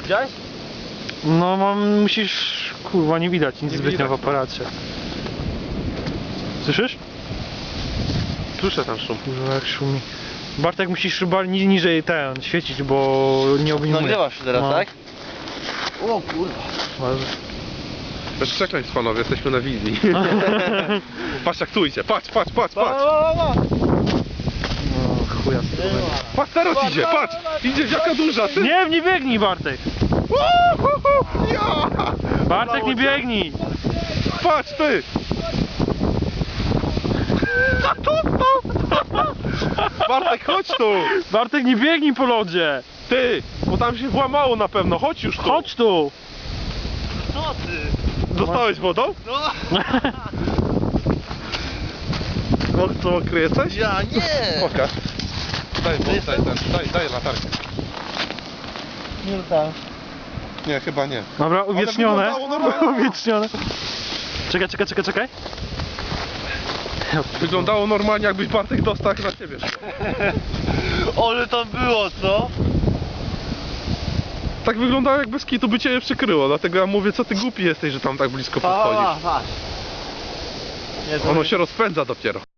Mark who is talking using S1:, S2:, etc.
S1: Widziałeś?
S2: No musisz... Kurwa, nie widać nic
S3: Nie
S2: zbytnio
S3: widać,
S2: w aparacie. Słyszysz?
S3: Słyszę ten szum.
S2: Kurwa, jak szumi. Bartek, musisz chyba niżej świecić, bo nie obejmuje.
S1: Nagrywasz się teraz,
S2: No.
S1: tak? O kurwa.
S3: Bez przekleństw, panowie, jesteśmy na wizji. Patrz jak tu idzie, patrz.
S2: No, chuja.
S3: Patrz, teraz idzie, patrz! Idzie, jaka duża, ty!
S2: Nie biegnij, Bartek!
S3: Ja!
S2: Bartek, nie biegnij!
S3: Patrz, ty! Bartek, chodź tu!
S2: Bartek, nie biegnij po lodzie!
S3: Ty! Bo tam się włamało na pewno, chodź już tu!
S2: Chodź tu!
S1: Co ty?
S3: Dostałeś wodą?
S1: No.
S3: Co, kryje coś?
S1: Ja nie!
S3: Pokaż. Daj latarkę.
S1: Nie tam.
S3: Nie, chyba nie.
S2: Dobra, uwiecznione.
S3: wyglądało normalnie.
S2: Uwiecznione. Czekaj.
S3: Wyglądało normalnie, jakbyś Bartek dostał jak na ciebie.
S1: Ale tam było, co?
S3: Tak wyglądało, jak bez kitu by cię przykryło, dlatego ja mówię, co ty głupi jesteś, że tam tak blisko podchodzisz.
S1: Patrz. Nie, to
S3: Ono się rozpędza dopiero.